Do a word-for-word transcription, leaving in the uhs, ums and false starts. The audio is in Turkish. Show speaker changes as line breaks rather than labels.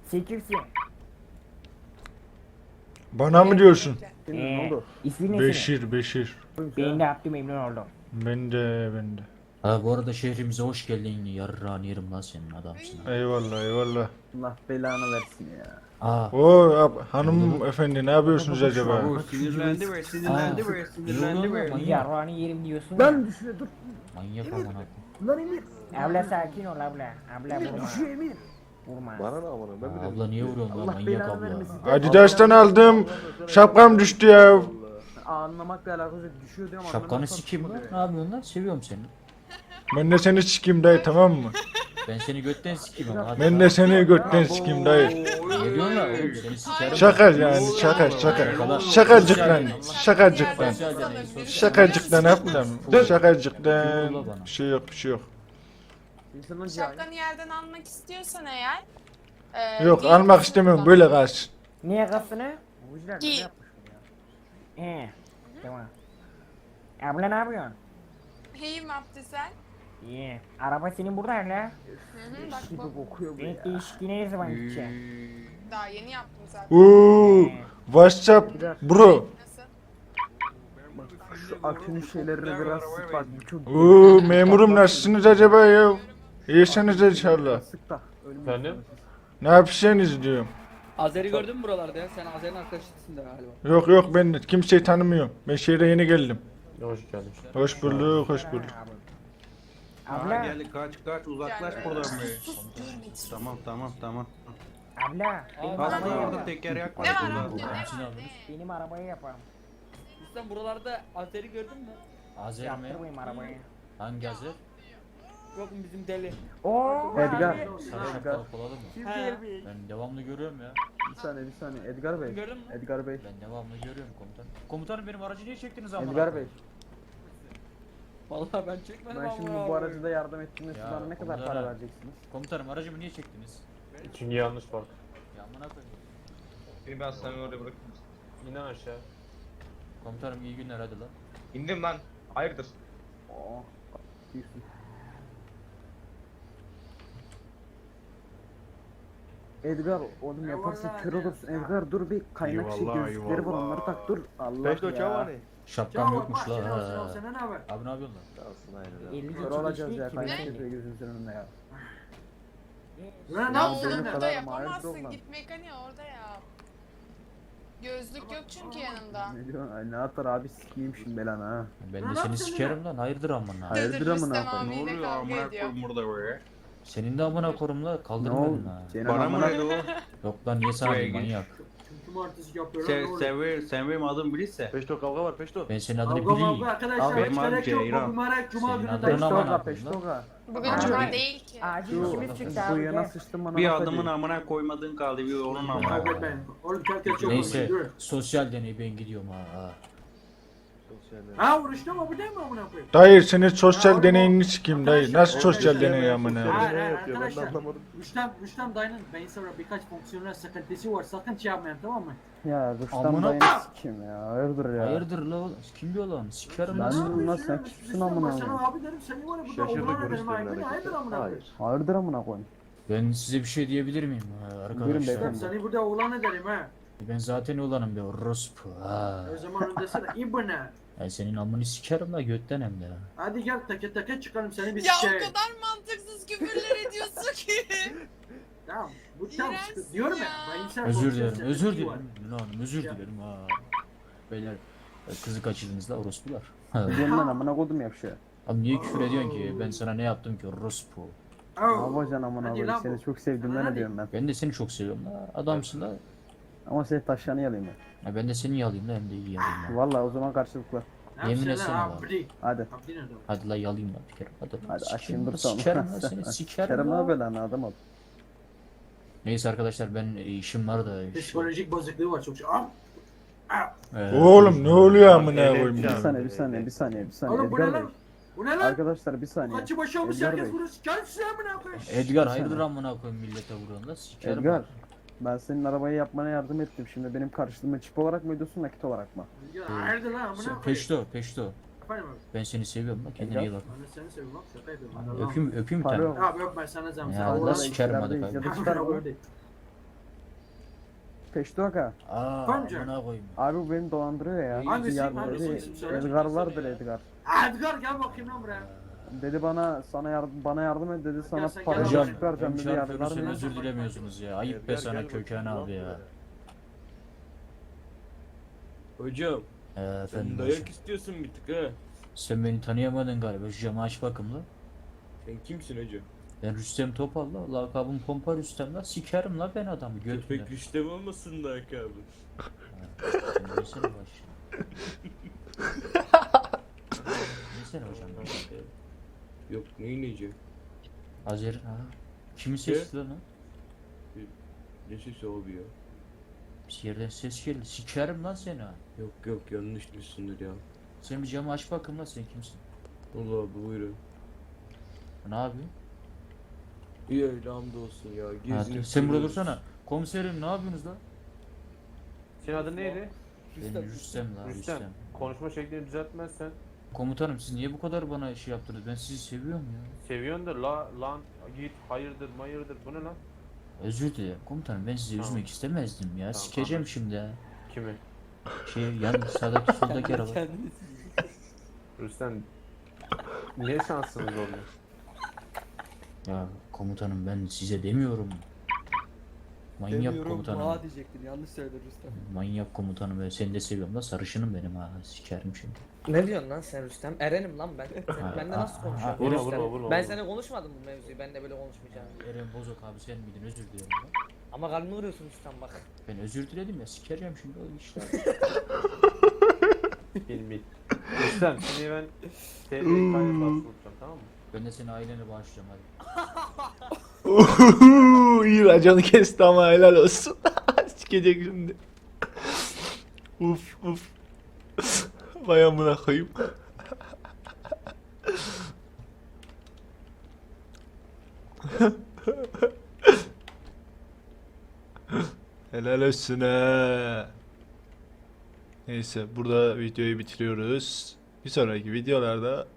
Sen kimsin?
Bana mı diyorsun?
Senin
Ee,
ne oldu?
ismin ne senin?
Beşir, Beşir.
Ben de Abdü memnun oldum.
Ben de, ben de.
Ha bu arada şehrimize hoş geldin. Yarrağını yerim lan senin adamsın. ha.
Eyvallah, eyvallah.
Allah belanı versin ya.
Aa.
Oo, ab- hanım efendi ne yapıyorsunuz acaba?
Bu sinirlendi be, sinirlendi be, sinirlendi be.
Manyak.
Yarrağını yerim diyorsun.
Lan düşüyor dur.
Manyak amına koyayım.
Lan Emir.
Abla sakin ol abla. Abla
Emir
vurma.
düşüyor Emir.
Vurma.
Bana ne amına ben
Aa, Abla niye vuruyorsun lan
Allah
manyak
belanı
abla?
vermesin.
Adidas'tan aldım. Şapkam düştü ya.
Anlamakla alakası yok. Düşüyor diyorum.
Şapkanı
anlamakla
sikeyim lan.
tutmadı
Ne
ya.
yapıyorsun lan? Seviyorum seni.
Ben de seni sikeyim dayı, tamam mı?
Ben seni götten sikeyim ama. hadi
Ben
lan.
de seni götten sikeyim dayı.
Ne diyorsun lan oğlum? Seni sikerim.
Şaka yani, şaka şaka. Şakacık lan, şakacık lan.
Sosyal deney, sosyal
Şakacık lan yapma. Şakacık lan. Bir şey yok, bir şey yok.
İnsanın cahil.
Şapkanı yerden almak istiyorsan eğer. e,
Yok,
giy-
almak istemiyorum, böyle kalsın.
Niye kalsın?
Bujiler
Giy.
ne yapmış bu ya?
He. Tamam. Abla ne yapıyorsun?
İyiyim Abdü sen.
İyi. Araba senin burada hala.
Hı hı, bak
Gibi
bu.
kokuyor bu
Ben
ya.
değişikliğine ne zaman gideceğim?
Daha yeni yaptım zaten.
Oo, WhatsApp bro.
Nasıl?
Şu akünün şeylerine biraz sık bak. Bu çok
Oo, memurum nasılsınız acaba ya? İyisiniz inşallah.
sık da. Ölüm
Efendim?
yaşamasın.
Ne yapacaksınız diyorum.
Azeri gördün mü buralarda ya? Sen Azeri'nin arkadaşısın da galiba.
Yok yok, ben de kimseyi tanımıyorum. Ben şehre yeni geldim.
Hoş geldin.
Hoş bulduk, hoş bulduk.
Abla,
Geldik, kaç kaç uzaklaş
Yani-
buradan be. Tamam tamam tamam.
abla. Benim
Aslında
arabayı
orada
yapalım.
teker yak var
Ne var
burada.
Abdü? Ne var?
Hepsini alırız.
Ne?
Benim arabayı yapalım.
Sen buralarda Azeri gördün mü?
Azeri mi?
Yaptırmayayım arabayı.
Hangi Azer?
Yok mu bizim deli?
Oo.
Edgar.
Sarı şapkalı kolalı mı?
He.
Ben devamlı görüyorum ya.
Bir saniye bir saniye. Edgar Bey.
Gördün mü?
Edgar Bey.
Ben devamlı görüyorum komutanım. Komutanım benim aracı niye çektiniz amına?
Edgar Bey.
Vallahi ben çekmedim
Ben
ama.
şimdi bu aracıda yardım ettiğimde siz
Ya,
bana ne kadar
onlara-
para vereceksiniz?
Komutanım aracımı niye çektiniz?
Çünkü yanlış park.
Ya amına koyayım.
Beni ben sana oraya bırakayım.
İnan aşağı.
Komutanım iyi günler hadi lan.
İndim lan. Hayırdır?
Oo. Diyorsun. Edgar oğlum yaparsan kör olursun. Edgar dur bir kaynak şey
Eyvallah,
gözlükleri var
eyvallah.
onları tak dur. Allah
Beşto
ya.
çavani.
Şapkam yokmuş la. ha. Abi ne yapıyorsun lan?
Kalsın aynı.
elli
Kör
geçmiş
olacağız ya
değil ki.
kaynak
Ne?
gözlüğü gözümüzün önünde ya.
Ya
Ya
oğlum
senin
burada
kadar
yapamazsın.
maaş yok
Git mekaniğe orada yap. Gözlük yok çünkü yanında.
Ne diyorsun? Ay ne atar abi sikeyim şimdi belanı ha.
Ben de seni sikerim lan hayırdır amına.
Hayır. Hayırdır
Rüstem
amına koyayım.
Ne
abiyle
oluyor
kavga
amına
ediyor.
koyayım burada be?
Senin de amına korum la
Ne
kaldırmadın
oldu?
ha.
Senin
Bana mı
amına-
dedi o?
Yok lan niye sana
Buraya
diyeyim
gir.
manyak.
Sen, sen, ver- sen benim adım bilirse.
Peşto kavga var peşto.
Ben senin adını bileyim.
Abi benim adım Ceyran.
Senin adını
Peştoga
amına koyayım lan.
peştoga.
Bugün
Abi.
cuma değil ki.
Acil
Şu
işimiz çıktı
bu
abi.
yana
gel.
sıçtım bana.
Bir
laf
adımın
ediyor.
amına koymadığın kaldı, bir onun amına koy.
Neyse sosyal deney ben gidiyorum ha. ha.
Sosyal.
Dayı senin sosyal deneyini sikeyim dayı. Nasıl sosyal deney amına?
Sosyal deney yapıyor ben de anlamadım.
Rüstem, Rüstem dayının beyinsel olarak birkaç fonksiyonel sıkıntısı var. Sakın şey yapmayın tamam mı?
Ya Rüstem
Amına-
dayını sikeyim ya. Hayırdır ya.
Hayırdır la oğlum? Kim diyor lan? Sikerim
Ben
lan.
dedim lan sen kimsin amına
Sana
koyayım?
abi dedim seni var ya burada
Şaşırdı
oğlan ederim
görüşlerin
ha. Hayırdır
hareketi.
amına koyayım.
Hayır.
Hayırdır amına koyayım?
Ben size bir şey diyebilir miyim ha,
Buyurun
arkadaşlar?
beyefendi.
Rüstem seni burada oğlan ederim ha.
Ben zaten olanım be orospu ha.
O zaman öndesi de ibne.
Ben senin amını sikerim la götten hem de.
Hadi gel teke teke çıkalım seni bir
Ya
şey.
o kadar mantıksız küfürler ediyorsun ki.
Tamam. Bu tam
İğrençsin
sıkıntı. Diyorum ya.
ya.
Beyinsel
Özür
fonksiyonel
dilerim, özür
sıkıntısı var.
dilerim. Lan hanım özür
Ya.
dilerim ha. Beyler e, kızı kaçırdınız la orospular. Ha.
Diyorum lan amına koydum ya bir şey.
Abi niye küfür ediyorsun ki? Ben sana ne yaptım ki orospu?
Ne
Oh.
yapacaksın amına
Hadi
koyayım?
lan
Seni
bu.
çok sevdiğimden
Hadi.
ne diyorum ben.
Ben de seni çok seviyorum la. Adamsın la.
Ama seni taşlarını yalayım ben.
Ya ben de seni yalayayım la hem de iyi yalayayım la.
Vallahi o zaman karşılıklı.
Ne
Yemin
yapsın
etsene
lan
lan.
abdi?
Hadi.
Abdi nerede?
Hadi la yalayayım la bir kere. Hadi,
Hadi
Sikerim
açayım dur
la,
sonra.
Sikerim la seni sikerim
Kerem ne
la.
yapıyor lan adam ol.
Neyse arkadaşlar ben e, işim var da. işte,
Psikolojik bozukluğu var çok. Ah.
e,
Oğlum ne oluyor amına koyayım
Bir
ya?
saniye bir saniye bir saniye bir saniye
Oğlum bu ne
Edgar Bey.
lan? Bu ne lan?
Arkadaşlar bir saniye.
Kaçı başı olmuş
Edgar
herkes
Bey.
bunu siker size amına koyayım.
Edgar
Bir
hayırdır
saniye.
amına koyayım millete vuruyorsun la sikerim.
Edgar. Ben senin arabayı yapmana yardım ettim. Şimdi benim karşılığımı çip olarak mı ödüyorsun nakit olarak mı?
Ya hayırdır lan amına
Sen-
koyayım.
Peşto peşto.
Efendim abi.
Ben seni seviyorum la kendine
Edgar.
iyi bak.
Ben de seni seviyorum abi şaka yapıyorum. Hadi Allah'ım.
Öpeyim öpeyim bir
Para
tane.
yok.
Abi yok ben sana zam.
Ya
Sana
Allah
Allah'ım.
sikerim hadi
içeride
kardeşim.
Çıkar bu. Peştoka.
Aa
Bence.
amına koyayım.
Abi bu beni dolandırıyor ya.
Hangisi?
Edgar
Hangisi?
dedi.
İsim söyle.
Edgar vardır Edgar.
Edgar gel bakayım lan buraya.
Dedi bana sana yardım bana yardım et dedi sana
sen
para
gel
Hocam
teşvik vereceğim
hem
dedi yardım
çarpıyorsun
vermiyor.
özür dilemiyorsunuz ya. Ayıp be
Edgar,
sana
gel bakayım
Köken
lan
abi ya.
buraya.
Hocam
Ee, efendim
sen
hocam.
dayak istiyorsun bir tık ha.
Sen beni tanıyamadın galiba. Şu camı aç bakımla.
Sen kimsin hocam?
Ben Rüstem Topal la. Lakabım Pompa Rüstem la. Sikerim la ben adamı götüne.
Köpek Rüstem olmasın da abi.
Neyse baş. Neyse hocam.
Yok neyin neyeceğim?
Azer ha. Kimin sesi lan o?
Ne sesi abi ya?
Bir yerden ses geldi. Sikerim lan seni ha.
Yok yok yanlış düşsündür ya.
Sen bir camı aç bakayım la sen kimsin?
Allah abi buyurun.
Ne yapıyorsun?
İyi öyle hamdolsun ya.
Ha,
Gezinip
sen burada
duruyoruz.
dursana. Komiserim ne yapıyorsunuz la?
Senin adın neydi?
Ben Rüstem la
Rüstem.
Rüstem.
Konuşma şeklini düzeltmezsen
Komutanım siz niye bu kadar bana şey yaptınız? Ben sizi seviyorum ya.
seviyorsun da la lan git hayırdır mayırdır bu ne lan?
Özür dilerim komutanım ben sizi
Tamam.
üzmek istemezdim ya.
Tamam,
Sikeceğim
anladım.
şimdi ha.
Kimi?
Şey yan sağdaki soldaki araba.
Kendini
Rüstem ne şansınız oldu?
Ya komutanım ben size demiyorum. Manyak
demiyorum.
komutanım.
Aa diyecektin. Yanlış söyledin Rüstem.
Manyak komutanım ben seni de seviyorum da sarışınım benim ha sikerim şimdi.
Ne diyorsun lan sen Rüstem? Erenim lan ben. Sen
Ha,
bende
ha,
nasıl
ha,
konuşuyorsun?
vurma,
Rüstem?
vurma, vurma,
Ben
vurma.
seninle konuşmadım bu mevzuyu. Ben de böyle konuşmayacağım.
Eren Bozok abi sen miydin özür dilerim. lan.
Ama kalbimi vuruyorsun Rüstem bak.
Ben özür diledim ya sikereceğim şimdi o işler.
Bil bil. Rüstem seni ben T R K'ya basılacağım tamam mı?
Ben de seni ailene bağışlayacağım hadi.
İyi raconu kesti ama helal olsun. Sikecek şimdi. Uf uf. Vay amına koyayım. Helal olsun ha. Neyse burada videoyu bitiriyoruz. Bir sonraki videolarda